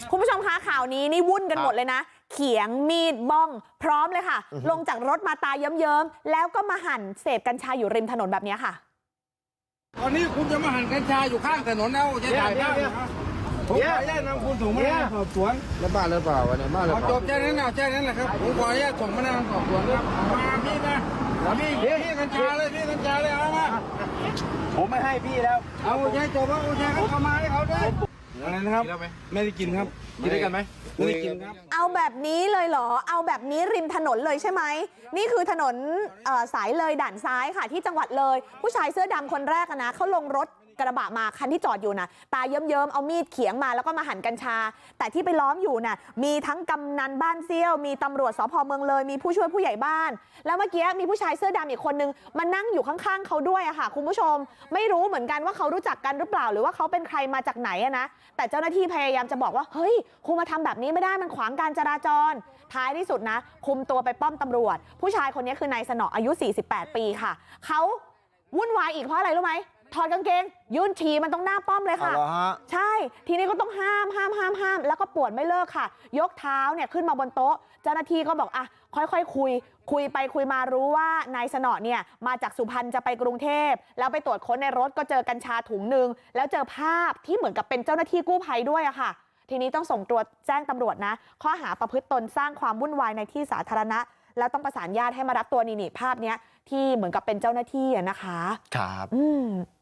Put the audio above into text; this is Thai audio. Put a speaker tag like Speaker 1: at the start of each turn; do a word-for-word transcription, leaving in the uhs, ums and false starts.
Speaker 1: คุณผู้ชมคะข่าวนี้นี่วุ่นกันหมดเลยนะเขียงมีดบ้องพร้อมเลยค่ะลงจากรถมาตาเยิ้มๆแล้วก็มาหั่นเสพกัญชาอยู่ริมถนนแบบนี้ค่ะ
Speaker 2: ตอนนี้คุณจะมาหั่นกัญชาอยู่ข้างถนนแล้วจะถ่ายภาพผมขออนุญาตนำคุณส่งพนักงานสอบสวน
Speaker 3: แล้วบ้านหรือเปล่าวะเนี่ยบ้านหรือเปล่า
Speaker 2: จบแค่นั้นนะแค่นั้นแหละครับผมขออนุญาตส่งพนักงานสอบสวนครับมาพี่นะพี่พี่กัญชาเลยพี่กัญชาเลยเอามา
Speaker 3: ผมไม่ให้พี่แล้ว
Speaker 2: เอาโอเคจบแล้วโอเคครับเอามาให้เขาด้วยอะไรนะครับไม่ได้กินครับ
Speaker 3: กินได้กันไหม
Speaker 2: ไม่ได้กินครับ
Speaker 1: เอาแบบนี้เลยเหรอเอาแบบนี้ริมถนนเลยใช่ไหมนี่คือถนนสายเลยด่านซ้ายค่ะที่จังหวัดเลยผู้ชายเสื้อดำคนแรกนะเขาลงรถกระบะมาคันที่จอดอยู่นะตาเยิ้มๆเอามีดเขียงมาแล้วก็มาหั่นกัญชาแต่ที่ไปล้อมอยู่น่ะมีทั้งกำนันบ้านเซี่ยวมีตำรวจสภเมืองเลยมีผู้ช่วยผู้ใหญ่บ้านแล้วเมื่อกี้มีผู้ชายเสื้อดำอีกคนนึงมานั่งอยู่ข้างๆเขาด้วยอะค่ะคุณผู้ชมไม่รู้เหมือนกันว่าเขารู้จักกันหรือเปล่าหรือว่าเขาเป็นใครมาจากไหนอะนะแต่เจ้าหน้าที่พยายามจะบอกว่าเฮ้ยคุณมาทำแบบนี้ไม่ได้มันขวางการจราจรท้ายที่สุดนะคุมตัวไปป้อมตำรวจผู้ชายคนนี้คือนายสนออายุสี่สิบแปดปีค่ะเขาวุ่นวายอีกเพราะอะไรรู้ไหมถอดกางเกงยื่นฉี่มันตรงหน้าป้อมเลยค่ะใช่ทีนี้ก็ต้องห้ามห้ามห้ามห้ามแล้วก็ปวดไม่เลิกค่ะยกเท้าเนี่ยขึ้นมาบนโต๊ะเจ้าหน้าที่ก็บอกอ่ะค่อยๆ ค, คุยคุยไปคุยมารู้ว่านายสนอเนี่ยมาจากสุพรรณจะไปกรุงเทพแล้วไปตรวจค้นในรถก็เจอกัญชาถุงนึงแล้วเจอภาพที่เหมือนกับเป็นเจ้าหน้าที่กู้ภัยด้วยอะค่ะทีนี้ต้องส่งตัวแจ้งตำรวจนะข้อหาประพฤติตนสร้างความวุ่นวายในที่สาธารณะแล้วต้องประสานญาติให้มารับตัวนี่นี่ภาพเนี้ยที่เหมือนกับเป็นเจ้าหน้าที่อะนะคะ
Speaker 3: ครับ
Speaker 1: อืม